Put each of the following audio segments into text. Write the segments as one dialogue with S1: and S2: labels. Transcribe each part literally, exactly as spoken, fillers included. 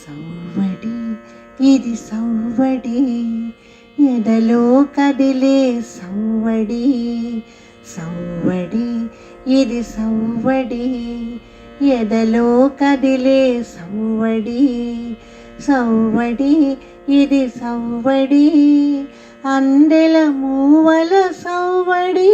S1: సవ్వడి ఇది సవ్వడి ఎదలో కదిలే సవ్వడి సవ్వడి ఇది సవ్వడి ఎదలో కదిలే సవ్వడి సవ్వడి ఇది సవ్వడి అందెల మూవల సవ్వడి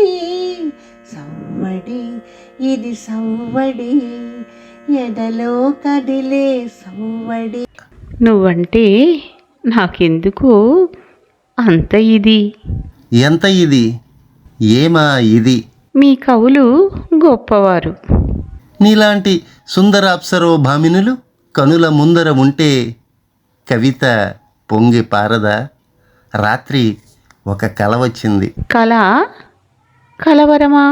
S1: సవ్వడి ఇది సవ్వడి ఎదలో కదిలే సవ్వడి.
S2: నువ్వంటే నాకెందుకు అంత ఇది.
S3: ఎంత ఇది? ఏమా ఇది?
S2: మీ కవులు గొప్పవారు.
S3: నీలాంటి సుందరాప్సరో భామినులు కనుల ముందర ఉంటే కవిత పొంగి పారదా? రాత్రి ఒక కల వచ్చింది.
S2: కళ? కలవరమా?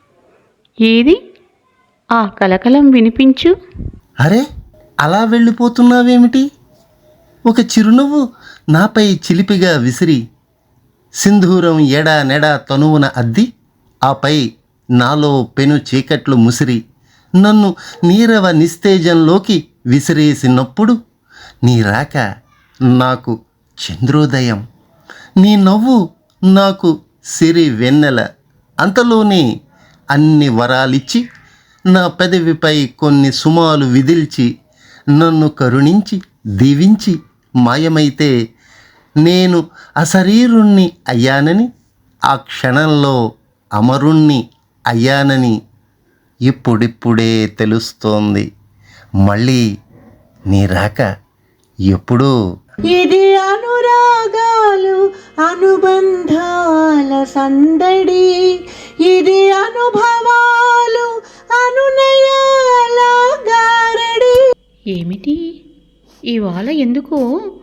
S2: ఏది ఆ కలకలం వినిపించు.
S3: అరే, అలా వెళ్ళిపోతున్నావేమిటి? ఒక చిరునవ్వు నాపై చిలిపిగా విసిరి సింధూరం ఎడా నెడా తనువున అద్ది ఆపై నాలో పెను చీకట్లు ముసిరి నన్ను నీరవ నిస్తేజంలోకి విసిరేసినప్పుడు నీ రాక నాకు చంద్రోదయం, నీ నవ్వు నాకు సిరి వెన్నెల. అంతలోనే అన్ని వరాలిచ్చి నా పెదవిపై కొన్ని సుమాలు విదిల్చి నన్ను కరుణించి దీవించి మాయమైతే నేను అశరీరుణ్ణి అయ్యానని, ఆ క్షణంలో అమరుణ్ణి అయ్యానని ఇప్పుడిప్పుడే తెలుస్తోంది. మళ్ళీ నీ రాక ఎప్పుడూ.
S1: ఇది అనురాగాలు అనుబంధాల సందడి, ఇది అనుభవాలు అనునయాల గారడి.
S2: ఏమిటి ఇవాళ ఎందుకో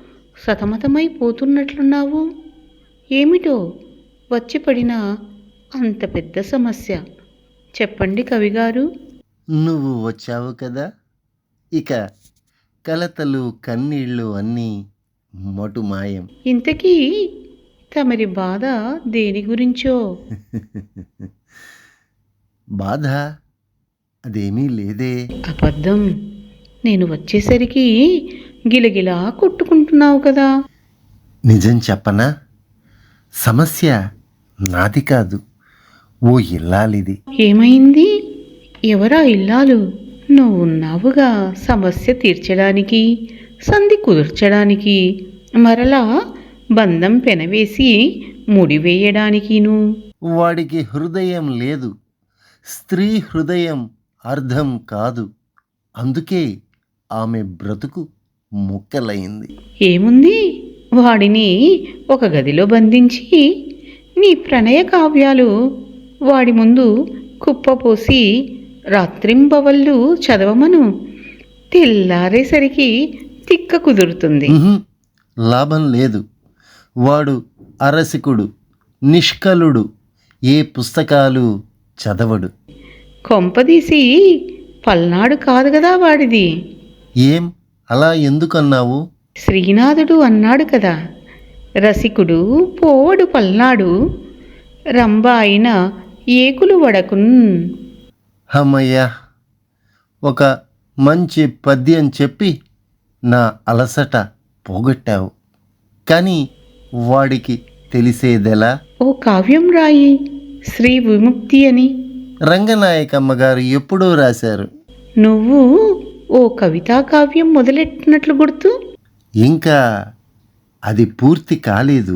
S2: సతమతమైపోతున్నట్లున్నావు? ఏమిటో వచ్చి పడిన అంత పెద్ద సమస్య చెప్పండి కవిగారు.
S3: నువ్వు వచ్చావు కదా, ఇక కలతలు కన్నీళ్ళు అన్నీ మటుమాయం.
S2: ఇంతకీ తమరి బాధ దేని గురించో?
S3: బాధ అదేమీ లేదే.
S2: అబద్ధం. నేను వచ్చేసరికి గిలగిలా కొట్టుకుంటున్నావు కదా.
S3: నిజం చెప్పనా? సమస్య నాది కాదు, ఓ ఇల్లాలిది.
S2: ఏమైంది? ఎవరా ఇల్లాలు? నువ్వున్నావుగా సమస్య తీర్చడానికి, సంధి కుదుర్చడానికి, మరలా బంధం పెనవేసి ముడివేయడానికిను.
S3: వాడికి హృదయం లేదు, స్త్రీ హృదయం అర్థం కాదు. అందుకే ఆమె బ్రతుకు ముక్కలైంది.
S2: ఏముంది? వాడిని ఒక గదిలో బంధించి నీ ప్రణయ కావ్యాలు వాడి ముందు కుప్పపోసి రాత్రింబవళ్ళు చదవమను. తెల్లారేసరికి తిక్క కుదురుతుంది.
S3: లాభం లేదు. వాడు అరసికుడు, నిష్కలుడు, ఏ పుస్తకాలు చదవడు.
S2: కొంపదీసి పల్నాడు కాదు కదా వాడిది.
S3: ఏం అలా ఎందుకన్నావు?
S2: శ్రీనాథుడు అన్నాడు కదా, రసికుడు పోవడు పల్నాడు, రంభ అయిన ఏకులు వడకున్.
S3: హమ్మయ్యా, ఒక మంచి పద్యం చెప్పి నా అలసట పోగొట్టావు. కానీ వాడికి తెలిసేదెలా?
S2: ఓ కావ్యం రాయి, శ్రీ విముక్తి అని.
S3: రంగనాయకమ్మ గారు ఎప్పుడూ రాశారు.
S2: నువ్వు ఓ కవితా కావ్యం మొదలెట్టినట్లు గుర్తు.
S3: ఇంకా అది పూర్తి కాలేదు.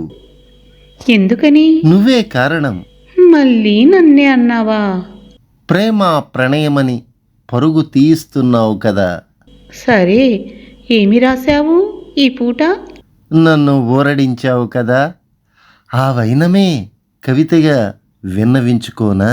S2: ఎందుకని?
S3: నువ్వే కారణం.
S2: మళ్ళీ నన్నే అన్నావా?
S3: ప్రేమ ప్రణయమని పరుగు తీయిస్తున్నావు కదా.
S2: సరే, ఏమి రాశావు ఈ పూట?
S3: నన్ను ఊరడించావు కదా, ఆ వైనమే కవితగా విన్నవించుకోనా?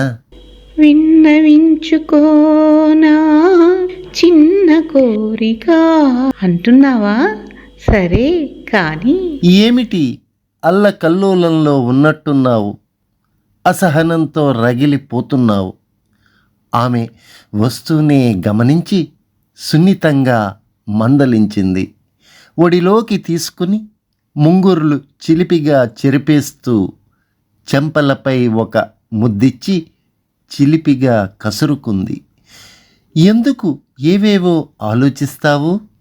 S2: విన్నవించుకోనా చిన్న కోరిక అంటున్నావా? సరే కానీ
S3: ఏమిటి అల్లకల్లోలంలో ఉన్నట్టున్నావు, అసహనంతో రగిలిపోతున్నావు. ఆమె వస్తూనే గమనించి సున్నితంగా మందలించింది. ఒడిలోకి తీసుకుని ముంగురులు చిలిపిగా చెరిపేస్తూ చెంపలపై ఒక ముద్దిచ్చి చిలిపిగా కసురుకుంది. ఎందుకు ఏవేవో ఆలోచిస్తావు?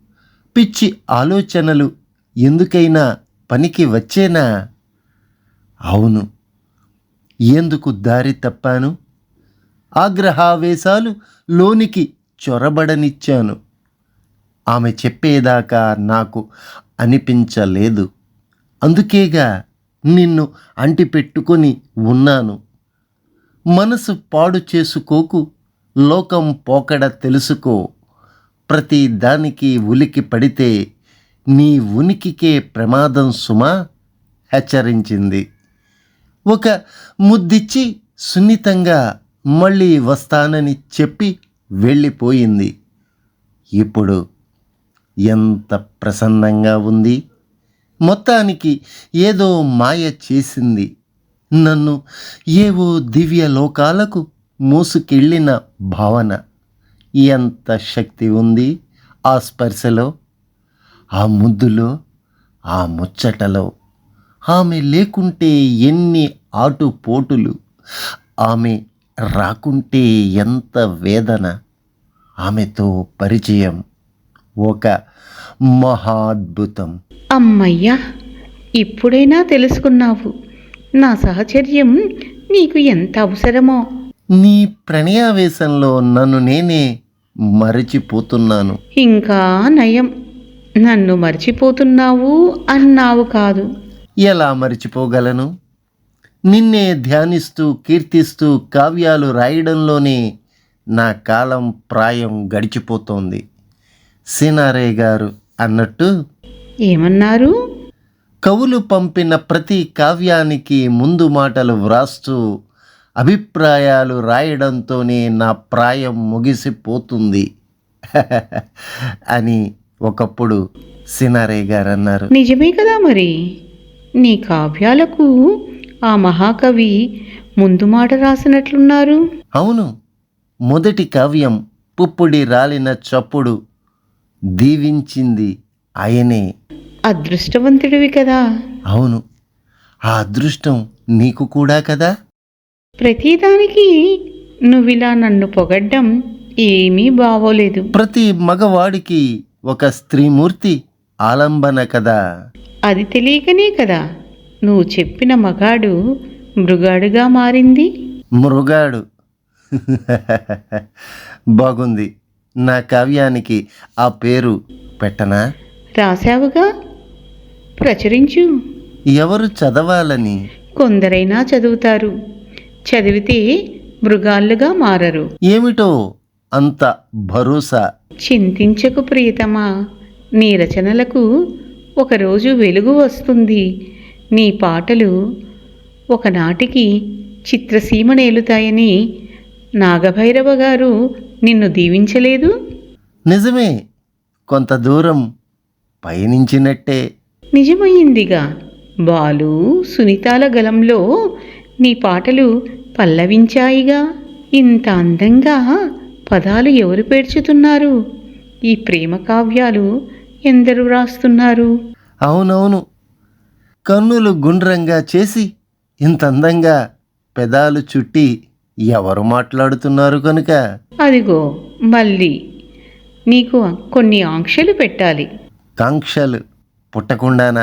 S3: పిచ్చి ఆలోచనలు ఎందుకైనా పనికి వచ్చేనా? అవును, ఎందుకు దారి తప్పాను? ఆగ్రహావేశాలు లోనికి చొరబడనిచ్చాను. ఆమె చెప్పేదాకా నాకు అనిపించలేదు. అందుకేగా నిన్ను అంటిపెట్టుకొని ఉన్నాను. మనసు పాడు చేసుకోకు, లోకం పోకడ తెలుసుకో. ప్రతి దానికి ఉలికి పడితే నీ ఉనికికే ప్రమాదం సుమా హెచ్చరించింది. ఒక ముద్దిచ్చి సున్నితంగా మళ్ళీ వస్తానని చెప్పి వెళ్ళిపోయింది. ఇప్పుడు ఎంత ప్రసన్నంగా ఉంది. మొత్తానికి ఏదో మాయ చేసింది. నన్ను ఏవో దివ్య లోకాలకు మోసుకెళ్ళిన భావన. ఎంత శక్తి ఉంది ఆ స్పర్శలో, ఆ ముద్దులో, ఆ ముచ్చటలో. ఆమె లేకుంటే ఎన్ని ఆటుపోటులు, ఆమె రాకుంటే ఎంత వేదన. ఆమెతో పరిచయం ఒక మహాద్భుతం.
S2: అమ్మయ్యా, ఇప్పుడైనా తెలుసుకున్నావు నా సహచర్యం నీకు ఎంత అవసరమో.
S3: నీ ప్రణయావేశంలో నన్ను నేనే మరచిపోతున్నాను.
S2: ఇంకా నయం, నన్ను మర్చిపోతున్నావు అన్నావు కాదు.
S3: ఎలా మర్చిపోగలను? నిన్నే ధ్యానిస్తూ కీర్తిస్తూ కావ్యాలు రాయడంలోనే నా కాలం ప్రాయం గడిచిపోతోంది. సినారే గారు అన్నట్టు,
S2: ఏమన్నారు?
S3: కవులు పంపిన ప్రతి కావ్యానికి ముందు మాటలు వ్రాస్తూ అభిప్రాయాలు రాయడంతోనే నా ప్రాయం ముగిసిపోతుంది అని ఒకప్పుడు సినారే గారు అన్నారు.
S2: నిజమే కదా మరి. నీ కావ్యాలకు ఆ మహాకవి ముందు మాట రాసినట్లున్నారు.
S3: అవును, మొదటి కావ్యం పుప్పుడి రాలిన చప్పుడు దీవించింది ఆయనే.
S2: అదృష్టవంతుడివి కదా.
S3: అవును, ఆ అదృష్టం నీకు కూడా కదా.
S2: ప్రతిదానికి నువ్విలా నన్ను పొగడ్డం ఏమీ బావోలేదు.
S3: ప్రతి మగవాడికి ఒక స్త్రీమూర్తి ఆలంబన కదా.
S2: అది తెలియకనే కదా నువ్వు చెప్పిన మగాడు మృగాడుగా మారింది.
S3: మృగాడు బాగుంది. నా కావ్యానికి ఆ పేరు పెట్టనా?
S2: రాశావుగా, ప్రచురించు.
S3: ఎవరు చదవాలని?
S2: కొందరైనా చదువుతారు, చదివితే మృగాళ్ళుగా మారరు.
S3: ఏమిటో అంత భరోసా?
S2: చింతించకు ప్రియతమా, నీ రచనలకు ఒకరోజు వెలుగు వస్తుంది. నీ పాటలు ఒకనాటికి చిత్రసీమ నేలుతాయని నాగభైరవ గారు నిన్ను దీవించలేదు?
S3: నిజమే, కొంత దూరం పయనించినట్టే.
S2: నిజమయ్యిందిగా. బాలు సునీతాల గలంలో నీ పాటలు పల్లవించాయిగా. ఇంత అందంగా పదాలు ఎవరు పేర్చుతున్నారు? ఈ ప్రేమ కావ్యాలు ఎందరు రాస్తున్నారు?
S3: అవునవును, కన్నులు గుండ్రంగా చేసి ఇంత అందంగా పెదాలు చుట్టి ఎవరు మాట్లాడుతున్నారు కనుక.
S2: అదిగో మళ్ళీ నీకు కొన్ని ఆంక్షలు పెట్టాలి.
S3: కాంక్షలు పుట్టకుండానా?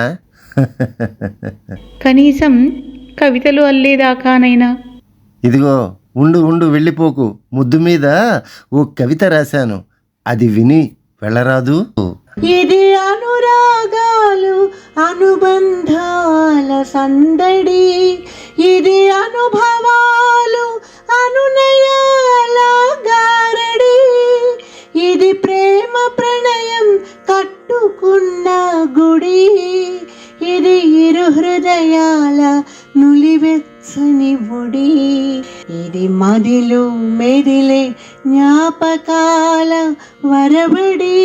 S2: కనీసం కవితలు అల్లేదాకానైనా.
S3: ఇదిగో ఉండు ఉండు వెళ్ళిపోకు. ముద్దు మీద ఓ కవిత రాశాను, అది విని వెళ్ళరాదు?
S1: ఇది అనురాగాలు అనుబంధాల సందడి, ఇది అనుభవాలు అనునయాల గారడి, ఇది ప్రేమ ప్రణయం కట్టుకున్న గుడి, ఇది ఇరు హృదయాల నులివెచ్చని ఒడి, ఇది మదిలో మెదిలే జ్ఞాపకాల వరబడి,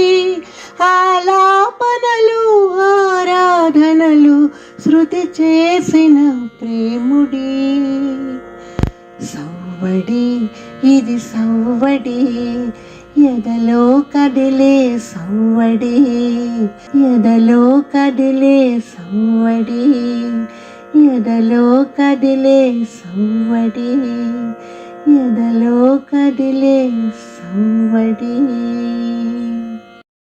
S1: ఆలాపనలు ఆరాధనలు శృతి చేసిన ప్రేముడి. సవ్వడి ఇది సవ్వడి, ఎదలో కదిలే సవ్వడి, ఎదలో కదిలే సవ్వడి, ఎదలో కదిలే సవ్వడి, ఎదలో కదిలే సవ్వడి.